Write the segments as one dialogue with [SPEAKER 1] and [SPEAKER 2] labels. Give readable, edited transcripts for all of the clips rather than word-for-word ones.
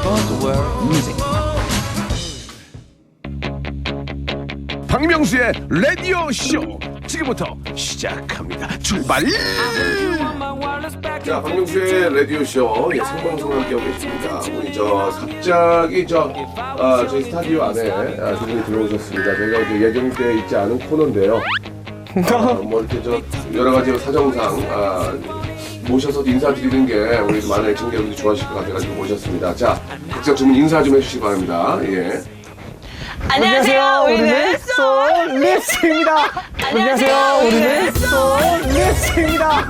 [SPEAKER 1] Buzzword Music.
[SPEAKER 2] 박명수의 라디오 쇼 지금부터 시작합니다. 출발! 자, 박명수의 라디오 쇼 생방송 함께하고 계십니다. 우리 갑자기 저희 스타디오 안에 두 분이 들어오셨습니다. 저희가 이제 예정돼 있지 않은 코너인데요. 뭐 이렇게 여러 가지 사정상 모셔서 인사드리는 게 우리 많은 애청자 여러분들이 좋아하실 것 같아가지고 모셨습니다. 자, 각자 주문 인사 좀 해주시기 바랍니다. 예.
[SPEAKER 3] 안녕하세요. 우리는 솔리스입니다. 안녕하세요. 우리는 솔리스입니다.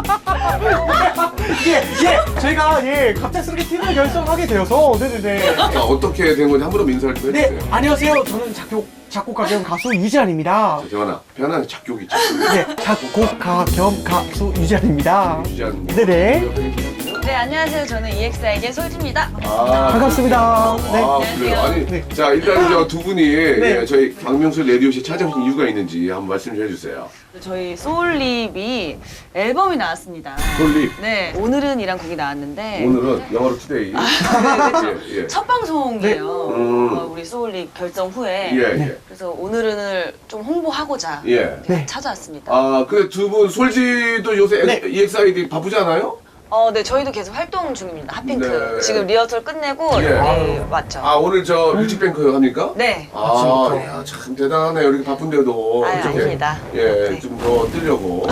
[SPEAKER 3] 저희가 갑작스럽게 팀을 결성하게 되어서 네네네.
[SPEAKER 2] 어떻게 된 건지 한 번 더 인사를 좀 해주세요.
[SPEAKER 3] 네, 안녕하세요. 저는 작곡가 겸 가수 유지한입니다.
[SPEAKER 2] 재환아, 편안하게 작곡 있죠.
[SPEAKER 3] 네, 작곡가 겸 가수 유지한입니다.
[SPEAKER 2] 유지한.
[SPEAKER 3] 네네.
[SPEAKER 4] 네, 안녕하세요. 저는 EXID의 솔지입니다.
[SPEAKER 3] 반갑습니다. 네.
[SPEAKER 2] 그래요. 아니,
[SPEAKER 4] 네.
[SPEAKER 2] 자, 일단 두 분이
[SPEAKER 3] 네.
[SPEAKER 2] 저희 박명수 라디오쇼 찾아오신 이유가 있는지 한번 말씀 좀 해주세요.
[SPEAKER 4] 저희 소울립이 앨범이 나왔습니다.
[SPEAKER 2] 솔립.
[SPEAKER 4] 네, 오늘은이란 곡이 나왔는데
[SPEAKER 2] 오늘은 영어로 투데이. 예.
[SPEAKER 4] 첫 방송이에요.
[SPEAKER 2] 네.
[SPEAKER 4] 우리 소울립 결정 후에.
[SPEAKER 2] 예.
[SPEAKER 4] 그래서 오늘은을 좀 홍보하고자
[SPEAKER 2] 예.
[SPEAKER 4] 이렇게
[SPEAKER 3] 네.
[SPEAKER 4] 찾아왔습니다.
[SPEAKER 2] 그 두 분 솔지도 요새
[SPEAKER 3] 네.
[SPEAKER 2] EXID 바쁘지 않아요?
[SPEAKER 4] 네, 저희도 계속 활동 중입니다. 핫핑크.
[SPEAKER 2] 네.
[SPEAKER 4] 지금 리허설 끝내고
[SPEAKER 2] 예.
[SPEAKER 4] 네, 왔죠.
[SPEAKER 2] 오늘 뮤직뱅크 합니까?
[SPEAKER 4] 네.
[SPEAKER 2] 야, 참 대단하네. 이렇게 바쁜데도.
[SPEAKER 4] 아유,
[SPEAKER 2] 이렇게.
[SPEAKER 4] 아닙니다.
[SPEAKER 2] 예,
[SPEAKER 4] 네.
[SPEAKER 2] 좀 더 뜨려고.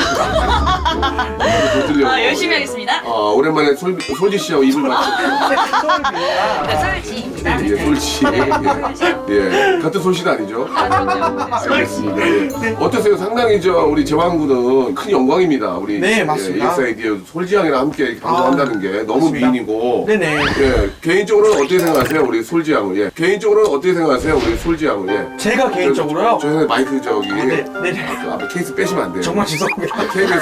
[SPEAKER 2] 더 뜨려고.
[SPEAKER 4] 열심히 하겠습니다.
[SPEAKER 2] 오랜만에 솔지 씨하고 입을 맞추고.
[SPEAKER 4] 네, 솔지입니다.
[SPEAKER 2] 예, 솔지. 예, 같은 솔씨는 아니죠? 알겠습니다. 예. 어떠세요? 상당히 우리 재환군은 큰 영광입니다. 우리
[SPEAKER 3] 네, 맞습니다.
[SPEAKER 2] EXID 솔지양이랑 함께 이렇게 방송한다는 게 너무
[SPEAKER 3] 맞습니다.
[SPEAKER 2] 미인이고.
[SPEAKER 3] 네네.
[SPEAKER 2] 예, 개인적으로는 어떻게 생각하세요? 우리 솔지양을. 예. 개인적으로는 어떻게 생각하세요? 우리 솔지양을. 예.
[SPEAKER 3] 제가 개인적으로요.
[SPEAKER 2] 저 마이크
[SPEAKER 3] 네네.
[SPEAKER 2] 그 앞에 케이스 빼시면 안 돼요.
[SPEAKER 3] 정말 죄송합니다.
[SPEAKER 2] KBS.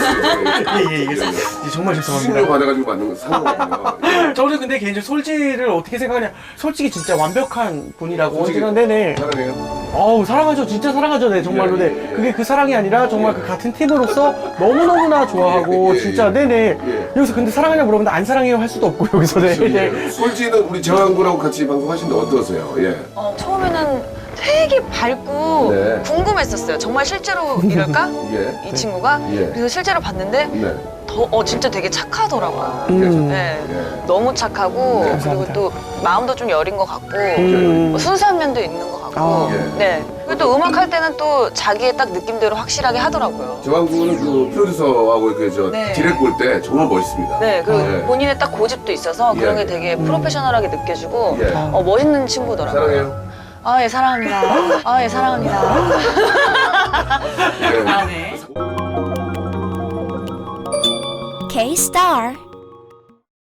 [SPEAKER 3] 정말
[SPEAKER 2] 수신료
[SPEAKER 3] 죄송합니다.
[SPEAKER 2] 받아가지고 만든 거 상관없네요.
[SPEAKER 3] 저는 근데 개인적으로 솔지를 어떻게 생각하냐. 솔직히 진짜 완벽한 분이라고
[SPEAKER 2] 솔직히
[SPEAKER 3] 생각하는데
[SPEAKER 2] 사랑해요.
[SPEAKER 3] 사랑하죠. 진짜 사랑하죠. 네, 정말로.
[SPEAKER 2] 예,
[SPEAKER 3] 네.
[SPEAKER 2] 예.
[SPEAKER 3] 그게 그 사랑이 아니라 정말
[SPEAKER 2] 예.
[SPEAKER 3] 그 같은 팀으로서 너무너무나 좋아하고
[SPEAKER 2] 예, 예,
[SPEAKER 3] 진짜
[SPEAKER 2] 예.
[SPEAKER 3] 네네.
[SPEAKER 2] 예.
[SPEAKER 3] 여기서 근데 사랑하냐 물어보는데 안 사랑해요 할 수도 없고 여기서 네. 네.
[SPEAKER 2] 솔지는 우리 재환군하고 같이 방송하시는데 어떠세요? 예.
[SPEAKER 4] 처음에는 되게 밝고
[SPEAKER 2] 네.
[SPEAKER 4] 궁금했었어요. 정말 실제로 이럴까?
[SPEAKER 2] 예.
[SPEAKER 4] 이 친구가?
[SPEAKER 2] 예.
[SPEAKER 4] 그래서 실제로 봤는데
[SPEAKER 2] 네.
[SPEAKER 4] 진짜 되게 착하더라고요. 네.
[SPEAKER 2] 예.
[SPEAKER 4] 너무 착하고
[SPEAKER 2] 네.
[SPEAKER 4] 그리고
[SPEAKER 3] 감사합니다.
[SPEAKER 4] 또 마음도 좀 여린 것 같고 순수한 면도 있는 것 같고
[SPEAKER 2] 예.
[SPEAKER 4] 네. 그리고 또 음악 할 때는 또 자기의 딱 느낌대로 확실하게 하더라고요.
[SPEAKER 2] 재환군은 그 프로듀서하고
[SPEAKER 4] 네.
[SPEAKER 2] 디렉 볼 때 정말 멋있습니다.
[SPEAKER 4] 네, 그리고
[SPEAKER 2] 예.
[SPEAKER 4] 본인의 딱 고집도 있어서 그런
[SPEAKER 2] 예.
[SPEAKER 4] 게 되게 프로페셔널하게 느껴지고
[SPEAKER 2] 예.
[SPEAKER 4] 멋있는 친구더라고요.
[SPEAKER 2] 사랑해요.
[SPEAKER 4] 예, 사랑합니다. 예, 사랑합니다.
[SPEAKER 2] 예.
[SPEAKER 4] 네.
[SPEAKER 5] K-Star